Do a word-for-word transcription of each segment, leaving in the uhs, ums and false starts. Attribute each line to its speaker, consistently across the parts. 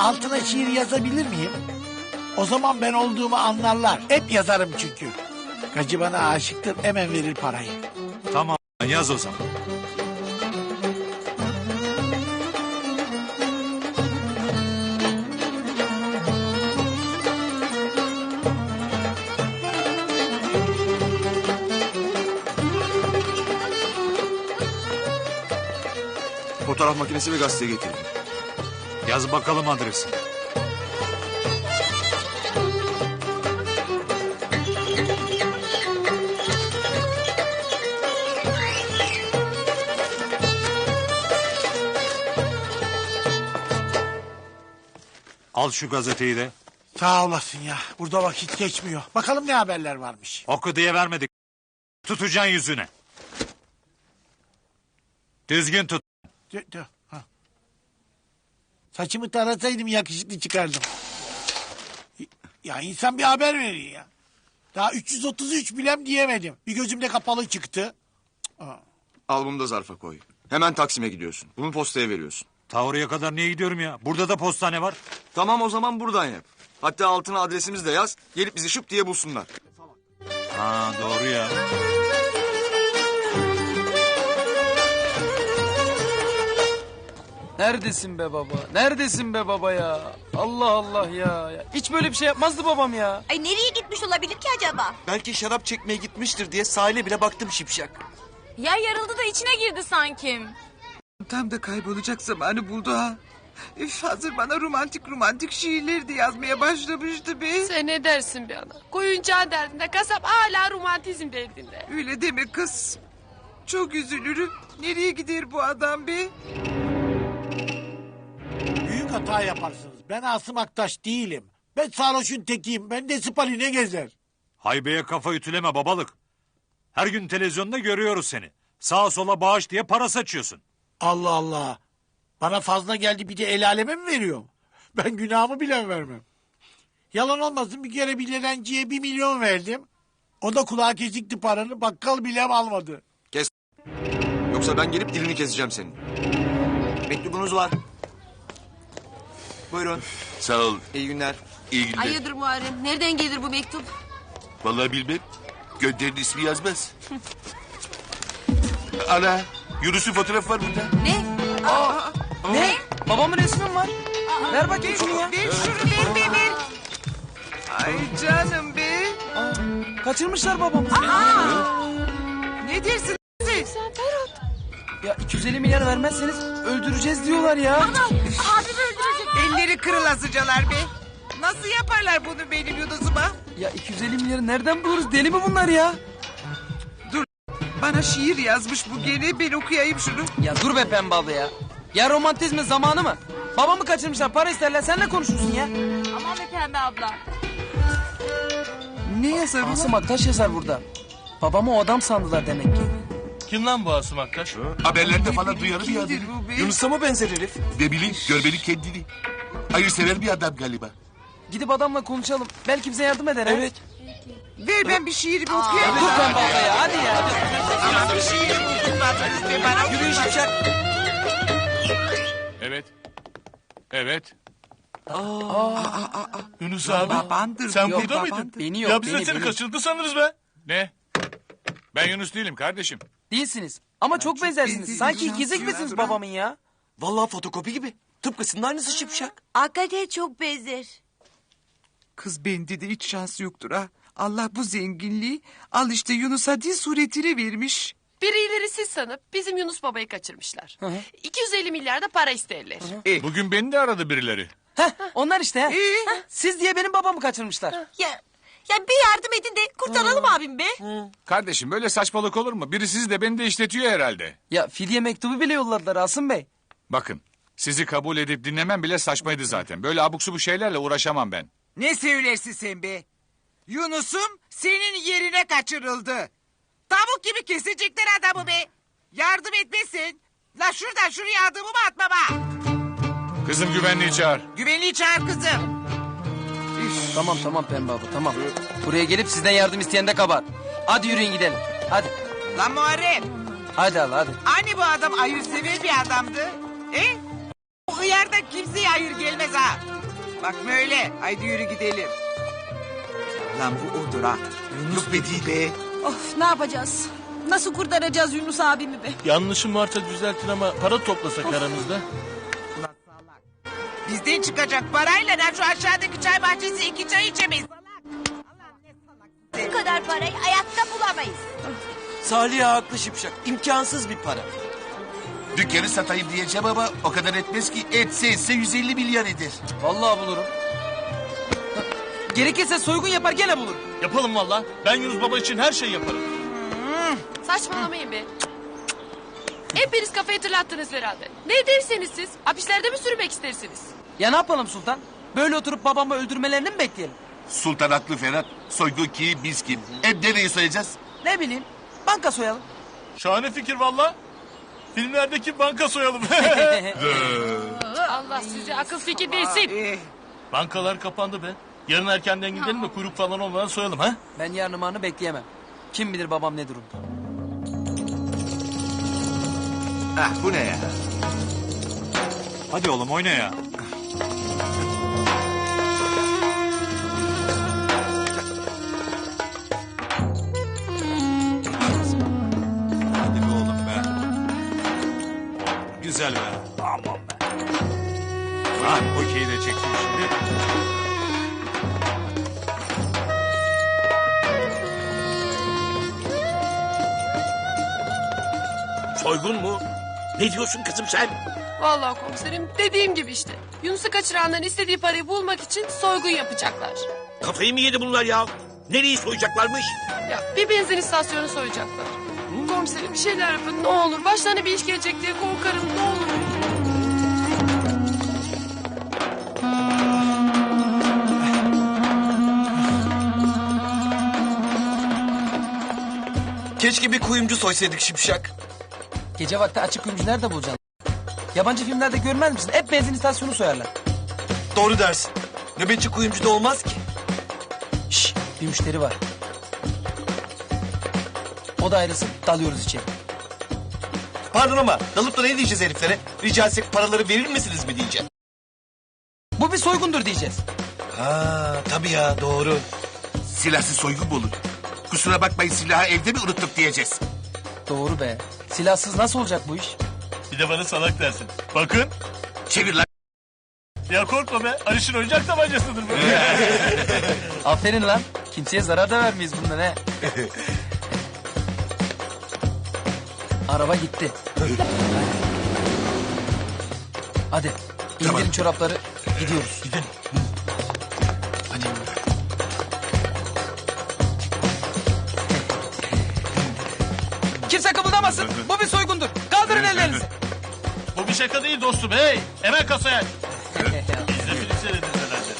Speaker 1: altına şiir yazabilir miyim? O zaman ben olduğumu anlarlar. Hep yazarım çünkü. Gacı bana aşıktır, hemen verir parayı.
Speaker 2: Tamam yaz o zaman.
Speaker 3: Fotoğraf makinesi ve gazete getirdim.
Speaker 2: Yaz bakalım adresi. Al şu gazeteyi de.
Speaker 1: Sağ olasın ya. Burada vakit geçmiyor. Bakalım ne haberler varmış.
Speaker 2: Oku diye vermedik. Tutacaksın yüzüne. Düzgün tut.
Speaker 1: Dö, dö, ha. Saçımı tarasaydım yakışıklı çıkardım. Ya insan bir haber verir ya. Daha üç yüz otuz üç bilem diyemedim. Bir gözümde kapalı çıktı.
Speaker 3: Al bunu da zarfa koy. Hemen Taksim'e gidiyorsun. Bunu postaya veriyorsun.
Speaker 2: Ta kadar niye gidiyorum ya? Burada da postane var.
Speaker 3: Tamam o zaman buradan yap. Hatta altına adresimizi de yaz. Gelip bizi şıp diye bulsunlar.
Speaker 2: Ha doğru ya.
Speaker 4: Neredesin be baba? Neredesin be baba ya? Allah Allah ya. ya. Hiç böyle bir şey yapmazdı babam ya.
Speaker 5: Ay nereye gitmiş olabilir ki acaba?
Speaker 6: Belki şarap çekmeye gitmiştir diye sahile bile baktım şipşak.
Speaker 7: Yer yarıldı da içine girdi sanki.
Speaker 8: Tam da kaybolacak zamanı buldu ha. Üf, hazır bana romantik romantik şiirleri de yazmaya başlamıştı be.
Speaker 7: Sen ne dersin be ana? Koyuncağı derdinde, kasap hala romantizm derdinde.
Speaker 8: Öyle deme kız. Çok üzülürüm. Nereye gider bu adam be?
Speaker 1: Büyük hata yaparsınız. Ben Asım Aktaş değilim. Ben sarhoşun tekiyim. Ben de spaline gezer.
Speaker 2: Haybeye kafa ütüleme babalık. Her gün televizyonda görüyoruz seni. Sağa sola bağış diye para saçıyorsun.
Speaker 1: Allah Allah. Bana fazla geldi bir de el aleme mi veriyorum? Ben günahımı bile vermem. Yalan olmasın bir kere bir dilenciye bir milyon verdim. O da kulağa kesikti paranı, bakkal bile almadı.
Speaker 3: Kes. Yoksa ben gelip dilini keseceğim senin.
Speaker 6: Mektubunuz var. Buyurun.
Speaker 9: Sağ ol.
Speaker 6: İyi günler.
Speaker 9: İyi günler.
Speaker 5: Hayırdır Muharrem? Nereden gelir bu mektup?
Speaker 9: Vallahi bilmem. Gönderin ismi yazmaz. Ana, Yunus'un fotoğrafı var burada.
Speaker 5: Ne?
Speaker 4: Ne? Babamın resmi mi var? Ver bakayım şunu ya.
Speaker 8: Ver şunu ver ver ver. Ay canım be.
Speaker 4: Kaçırmışlar babamı.
Speaker 8: Ne dersin siz?
Speaker 4: Ya iki yüz elli milyar vermezseniz öldüreceğiz diyorlar ya.
Speaker 5: Abim öldürecek.
Speaker 8: Elleri kırılasıcalar be. Nasıl yaparlar bunu benim Yunus'uma?
Speaker 4: Ya iki yüz elli milyarı nereden buluruz? Deli mi bunlar ya?
Speaker 8: Bana şiir yazmış bu gene. Ben okuyayım şunu.
Speaker 4: Ya dur be pembe abla ya. Ya romantizmin zamanı mı? Babamı kaçırmışlar, para isterler, sen ne konuşuyorsun ya?
Speaker 7: Aman be pembe abla.
Speaker 8: Ne yazar ulan?
Speaker 4: Asım Aktaş yazar burada. Babamı o adam sandılar demek ki.
Speaker 10: Kim lan bu Asım Aktaş?
Speaker 9: Haberlerde falan duyarım bir
Speaker 8: Kimdir
Speaker 9: adını.
Speaker 8: bu be?
Speaker 6: Yunus'a mı benzer herif?
Speaker 9: Ne bileyim, görmeli kendini. Hayırsever bir adam galiba.
Speaker 4: Gidip adamla konuşalım. Belki bize yardım eder ha?
Speaker 6: Evet.
Speaker 8: Ver ben bir şiir bir okuyayım.
Speaker 4: Dur pembe abla ya, hadi ya.
Speaker 8: Ama bir şiir bulmadınız be bana.
Speaker 6: Yürüyün şipşak.
Speaker 10: Evet. Evet. Yunus abi.
Speaker 8: Babandır.
Speaker 10: Sen
Speaker 8: Yok,
Speaker 10: burada mıydın?
Speaker 8: babandır.
Speaker 4: Beni yok,
Speaker 10: Ya biz de
Speaker 4: beni,
Speaker 10: seni
Speaker 4: beni.
Speaker 10: kaçırdı sanırız be. Ne? Ben Yunus değilim kardeşim.
Speaker 4: Değilsiniz. Ama çok,
Speaker 8: çok
Speaker 4: benzersiniz.
Speaker 8: benziyor,
Speaker 4: Sanki
Speaker 8: şans
Speaker 4: ikizik
Speaker 8: ya,
Speaker 4: misiniz
Speaker 8: dur
Speaker 4: babamın ya?
Speaker 6: Vallahi fotokopi gibi. Tıpkısının aynısı şipşak.
Speaker 5: Hakikaten çok benzer.
Speaker 8: Kız bende de hiç şans yoktur ha. Allah bu zenginliği al işte Yunus'a dil suretini vermiş.
Speaker 7: Birileri siz sanıp bizim Yunus babayı kaçırmışlar. iki yüz elli milyar da para isterler.
Speaker 10: Bugün beni de aradı birileri.
Speaker 4: Heh, onlar işte ha.
Speaker 8: Ee?
Speaker 4: Siz diye benim babamı kaçırmışlar.
Speaker 5: Ya ya bir yardım edin de kurtaralım abim be.
Speaker 10: Kardeşim böyle saçmalık olur mu? Biri sizi de beni de işletiyor herhalde.
Speaker 4: Ya fidye mektubu bile yolladılar Asım Bey.
Speaker 10: Bakın sizi kabul edip dinlemem bile saçmaydı zaten. Böyle abuk subuk şeylerle uğraşamam ben.
Speaker 8: Ne söylersin sen be? Yunus'um senin yerine kaçırıldı. Tavuk gibi kesecekler adamı be. Yardım etmesin. La şuradan şuraya adımımı atma bak.
Speaker 10: Kızım güvenliği çağır.
Speaker 8: Güvenliği çağır kızım.
Speaker 4: Tamam tamam pembe abla tamam. Buraya gelip sizden yardım isteyen de kabar. Hadi yürüyün gidelim. Hadi.
Speaker 8: Lan Muharrem.
Speaker 4: Hadi Allah hadi.
Speaker 8: Hani bu adam hayırsever bir adamdı? E? O hıyardan kimseye hayır gelmez ha. Bak böyle. Haydi yürü gidelim. Lan bu odur ha.
Speaker 9: Yok be değil be.
Speaker 5: Of ne yapacağız? Nasıl kurtaracağız Yunus abimi be?
Speaker 6: Yanlışım varsa düzeltin ama para toplasak aramızda.
Speaker 8: Ulan salak. Bizden çıkacak parayla lan şu aşağıdaki çay bahçesi iki çay içemeyiz. Salak. Allah ne salak.
Speaker 5: Bu kadar parayı hayatta bulamayız.
Speaker 6: Salih haklı Şipşak. İmkansız bir para.
Speaker 9: Dükkanı satayım diyeceğim ama o kadar etmez ki. Etse etse yüz elli milyar eder.
Speaker 4: Vallahi bulurum. Gerekirse soygun yapar gene bulurum.
Speaker 6: Yapalım valla. Ben Yunus Baba için her şeyi yaparım.
Speaker 7: Saçmalamayın be. Hepiniz kafayı tırlattınız herhalde. Ne derseniz siz? Hapislerde mi sürmek istersiniz?
Speaker 4: Ya ne yapalım Sultan? Böyle oturup babamı öldürmelerini mi bekleyelim?
Speaker 9: Sultan haklı Ferhat. Soygun kim biz kim? Hem nereyi soyacağız?
Speaker 4: Ne bileyim. Banka soyalım.
Speaker 6: Şahane fikir valla. Filmlerdeki banka soyalım.
Speaker 7: Allah size akıl fikir versin.
Speaker 8: Eh,
Speaker 6: Bankalar kapandı be. Yarın erkenden gidelim de kuyruk falan olmadan soyalım ha.
Speaker 4: Ben yarın anı bekleyemem. Kim bilir babam ne durumda.
Speaker 3: Ah bu ne ya?
Speaker 2: Hadi oğlum oyna ya. Hadi be oğlum be. Güzel be. Aman be. Ha, okeyi de çektim şimdi.
Speaker 9: Soygun mu? Ne diyorsun kızım sen?
Speaker 7: Vallahi komiserim dediğim gibi işte. Yunus'u kaçıranların istediği parayı bulmak için soygun yapacaklar.
Speaker 9: Kafayı mı yedi bunlar ya? Nereyi soyacaklarmış?
Speaker 7: Ya bir benzin istasyonu soyacaklar. Komiserim bir şeyler yapın ne olur. Başlarına bir iş gelecek diye korkarım ne olur.
Speaker 6: Keşke bir kuyumcu soysaydık Şipşak.
Speaker 4: Gece vakti açık kuyumcu nerede bulacaksın? Yabancı filmlerde görmez misin? Hep benzin istasyonu soyarlar.
Speaker 6: Doğru dersin. Nöbetçi kuyumcu da olmaz ki.
Speaker 4: Şşş bir müşteri var. O da ayrılsın dalıyoruz içeri.
Speaker 6: Pardon ama dalıp da ne diyeceğiz heriflere? Rica etsek paraları verir misiniz mi diyeceğim.
Speaker 4: Bu bir soygundur diyeceğiz.
Speaker 6: Ha tabii ya doğru.
Speaker 9: Silahsız soygun mu olur? Kusura bakmayın silahı evde mi unuttuk diyeceğiz.
Speaker 4: Doğru be. Silahsız nasıl olacak bu iş?
Speaker 6: Bir de bana salak dersin. Bakın.
Speaker 9: Çevir lan.
Speaker 6: Ya korkma be. Aliş'in oyuncak tabancasıdır bu.
Speaker 4: Aferin lan. Kimseye zarar da vermeyiz bundan he. Araba gitti. Hadi. İndirin çorapları. Gidiyoruz.
Speaker 6: Gidin.
Speaker 4: Kimse kımıldamasın. Bu bir soygundur. Kaldırın ellerinizi.
Speaker 6: Bu bir şaka değil dostum. Hey hemen kasaya. Biz de film seyrederiz herhalde.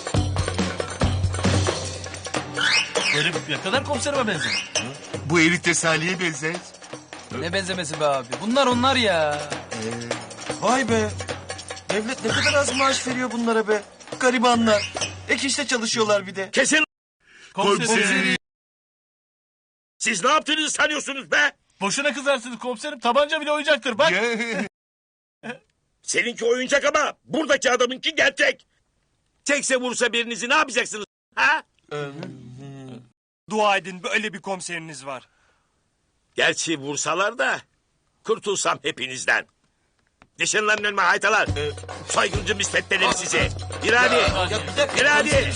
Speaker 6: Herif ne kadar komiserime benzer.
Speaker 9: Bu herif de Salih'e benzer.
Speaker 4: Ne benzemesi be abi. Bunlar onlar ya.
Speaker 6: Vay be. Devlet ne kadar az maaş veriyor bunlara be. Garibanlar. Ek işte çalışıyorlar bir de.
Speaker 9: Kesin
Speaker 6: Komiserim.
Speaker 9: Siz ne yaptığınızı sanıyorsunuz be?
Speaker 6: Boşuna kızarsınız komiserim. Tabanca bile oyuncaktır bak.
Speaker 9: Seninki oyuncak ama buradaki adamınki gerçek. Tekse vursa birinizi ne yapacaksınız? Ha?
Speaker 6: Dua edin böyle bir komiseriniz var.
Speaker 9: Gerçi vursalar da kurtulsam hepinizden. Nişanlanın önüme haytalar. Soyguncu misletmeleri sizi. Bir hadi. Bir hadi.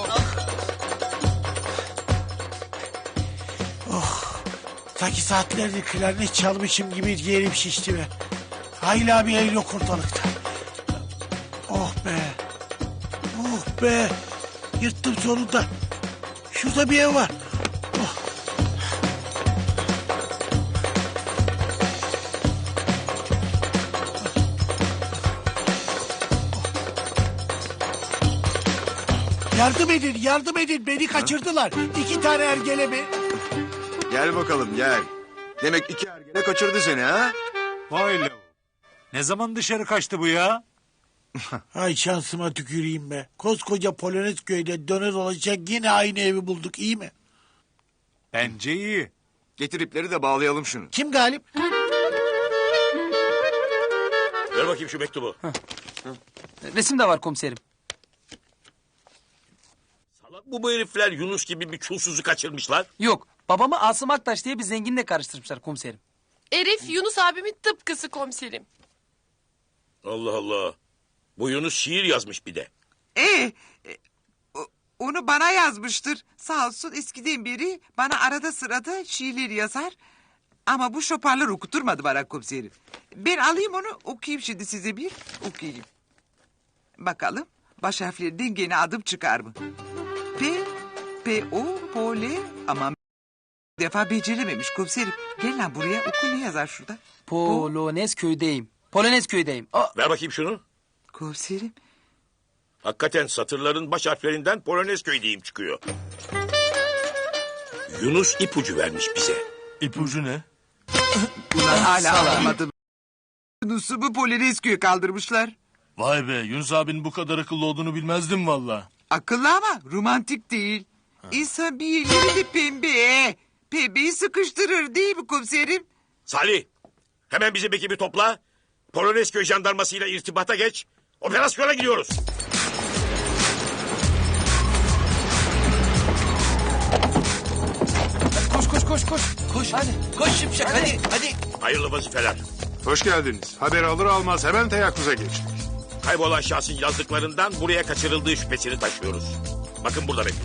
Speaker 1: Sanki saatlerdir klarnet çalmışım gibi yerim şişti be. Hayla bir el yok ortalıkta. Oh be. Oh be. Yırttım sonunda. Şurada bir ev var. Oh. Yardım edin, yardım edin. Beni kaçırdılar. İki tane ergelemi.
Speaker 3: Gel bakalım gel. Demek iki ergene kaçırdı seni ha?
Speaker 2: Vay le. Ne zaman dışarı kaçtı bu ya?
Speaker 1: Ay şansıma tüküreyim be. Koskoca Polonezköy'de döner olacak yine aynı evi bulduk iyi mi?
Speaker 2: Bence iyi.
Speaker 3: Getir ipleri de bağlayalım şunu.
Speaker 1: Kim galip?
Speaker 9: Ver bakayım şu mektubu.
Speaker 4: Resim de var komiserim.
Speaker 9: Salak bu bu herifler Yunus gibi bir çulsuzu kaçırmışlar.
Speaker 4: Yok, babamı Asım Aktaş diye bir zenginle karıştırmışlar komiserim.
Speaker 7: Herif Yunus abimin tıpkısı komiserim.
Speaker 9: Allah Allah. Bu Yunus şiir yazmış bir de.
Speaker 8: Ee, e, o- onu bana yazmıştır. Sağ olsun eskiden beri bana arada sırada şiirler yazar. Ama bu şoparlar okuturmadı bana komiserim. Ben alayım onu okuyayım şimdi size bir okuyayım. Bakalım baş harflerinden gene adım çıkar mı? P, P, O, Pole ama bir defa becerememiş komiserim. Gel lan buraya oku ne yazar şurada?
Speaker 4: Polonez köydeyim. Polonez köydeyim. Aa,
Speaker 9: Ver bakayım şunu.
Speaker 8: Komiserim.
Speaker 9: Hakikaten satırların baş harflerinden Polonezköy diyeyim çıkıyor. Yunus ipucu vermiş bize.
Speaker 6: İpucu ne?
Speaker 8: Ulan hala anlamadım. Yunus'u bu Polonezköy'e kaldırmışlar.
Speaker 6: Vay be Yunus abinin bu kadar akıllı olduğunu bilmezdim valla.
Speaker 8: Akıllı ama romantik değil. İnsan bir yerleri de pembe. Pembeyi sıkıştırır değil mi komiserim?
Speaker 9: Salih, hemen bizim ekibi topla. Polonezköy jandarmasıyla irtibata geç. Operasyona gidiyoruz.
Speaker 4: koş koş koş koş. Koş hadi. Koş Şipşak hadi.
Speaker 6: hadi.
Speaker 9: Hayırlı vazifeler.
Speaker 11: Hoş geldiniz. Haber alır almaz hemen teyakkuza geçtik.
Speaker 9: Kaybolan şahsın yazdıklarından buraya kaçırıldığı şüphesini taşıyoruz. Bakın burada benim.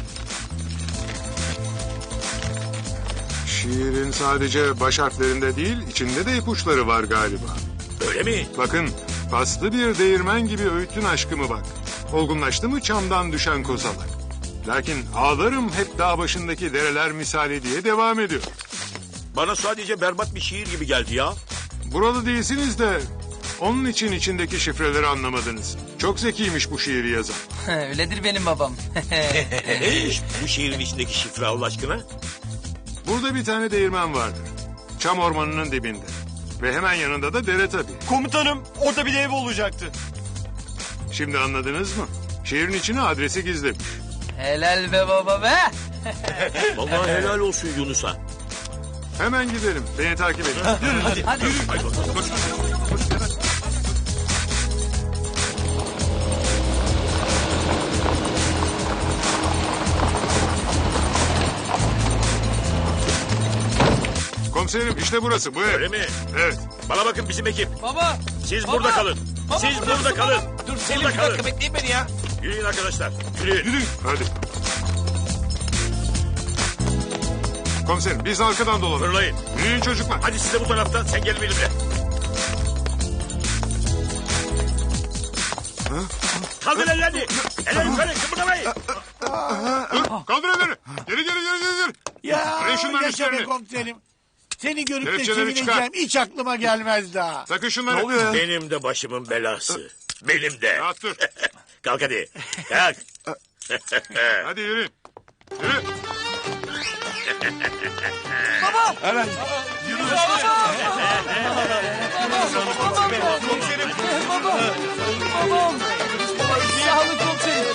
Speaker 11: Şiirin sadece baş harflerinde değil, içinde de ipuçları var galiba.
Speaker 9: Öyle mi?
Speaker 11: Bakın, paslı bir değirmen gibi öğüttün aşkımı bak. Olgunlaştı mı çamdan düşen kozalak. Lakin ağlarım hep dağ başındaki dereler misali diye devam ediyor.
Speaker 9: Bana sadece berbat bir şiir gibi geldi ya.
Speaker 11: Buralı değilsiniz de onun için içindeki şifreleri anlamadınız. Çok zekiymiş bu şiiri yazan.
Speaker 4: Öyledir benim babam.
Speaker 9: Neymiş bu şiirin içindeki şifre Allah aşkına?
Speaker 11: Burada bir tane değirmen vardır. Çam ormanının dibinde. Ve hemen yanında da dere tabii.
Speaker 6: Komutanım orada bir ev olacaktı.
Speaker 11: Şimdi anladınız mı? Şiirin içine adresi gizlemiş.
Speaker 4: Helal be baba be.
Speaker 9: Vallahi helal olsun Yunus'a.
Speaker 11: Hemen gidelim. Beni takip edin.
Speaker 4: Hadi.
Speaker 9: Hadi bakalım. Koş.
Speaker 11: Komiserim işte burası bu ev.
Speaker 9: Öyle mi?
Speaker 11: Evet.
Speaker 9: Bana bakın bizim ekip.
Speaker 4: Baba.
Speaker 9: Siz
Speaker 4: Baba!
Speaker 9: burada kalın.
Speaker 4: Baba,
Speaker 9: Siz
Speaker 4: burada
Speaker 9: burada
Speaker 4: mısın
Speaker 9: kalın.
Speaker 4: baba?
Speaker 9: Dur
Speaker 6: Selim
Speaker 9: burada
Speaker 6: bir
Speaker 9: kalın.
Speaker 6: dakika bekleyin beni ya.
Speaker 9: Yürüyün arkadaşlar. Yürüyün.
Speaker 11: Yürüyün. Hadi. Komiserim biz arkadan dolanalım.
Speaker 9: Fırlayın.
Speaker 11: Yürüyün çocuklar.
Speaker 9: Hadi siz de bu taraftan. Sen gel benimle. Kaldır ellerini. Eller yukarı. Kıpırdamayın.
Speaker 11: Dur. Kaldır elleri. Geri geri geri geri. geri.
Speaker 1: Ya
Speaker 11: Arayın şunların
Speaker 1: yaşa be
Speaker 11: üstlerini.
Speaker 1: komiserim. Seni görüp de
Speaker 11: Kelepçeleri
Speaker 1: sevineceğim.
Speaker 11: çıkar.
Speaker 1: Hiç aklıma gelmez daha.
Speaker 11: Sakın şunları.
Speaker 9: Benim de başımın belası. Benim de.
Speaker 11: Rahat dur.
Speaker 9: Kalk hadi. Kalk.
Speaker 11: Hadi yürü. Yürü.
Speaker 4: Babam. Sağ olun komiserim.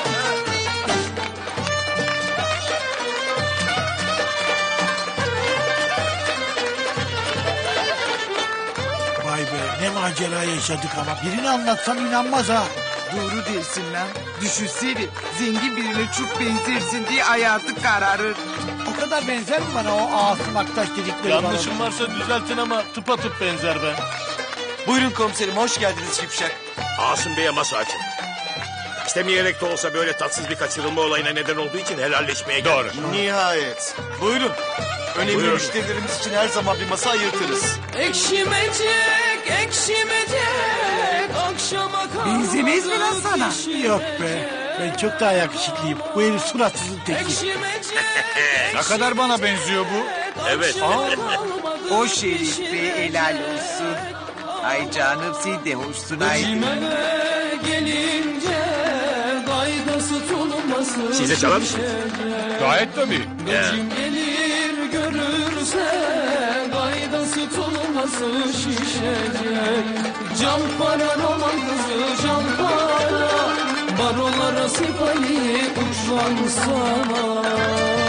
Speaker 1: Vay be ne macera yaşadık ama birini anlatsam inanmaz ha.
Speaker 8: Doğru dersin lan. Düşünsene zengin birine çok benzersin diye hayatı kararır.
Speaker 1: O kadar benzer mi bana o Asım Aktaş dedikleri
Speaker 6: Yanlışım varsa düzeltin ama tıpatıp benzer be. Buyurun komiserim hoş geldiniz Şipşak.
Speaker 9: Asım Bey'e masa açın. İstemeyerek de olsa böyle tatsız bir kaçırılma olayına neden olduğu için helalleşmeye geldik.
Speaker 6: Doğru. Nihayet. Buyurun. Önemli
Speaker 9: Buyurun.
Speaker 6: müşterilerimiz için her zaman bir masa ayırtırız.
Speaker 4: Ekşimecek, ekşimecek. Akşama kadar.
Speaker 8: Benzemez mi lan sana?
Speaker 1: Yok be ben çok daha yakışıklıyım. Bu herif suratsızın teki.
Speaker 10: Ne kadar bana benziyor bu?
Speaker 9: Evet.
Speaker 8: O şerif be helal olsun. Ay canım sen de hoşsun ay.
Speaker 4: gelince gaydası tulması.
Speaker 9: Size çalar mısın?
Speaker 10: Gayet tabii.
Speaker 9: Ya.
Speaker 4: Gelir görürse gaydası tulması şişecek. Can para roman kızı can para. Barolara sipahi uçlan sana.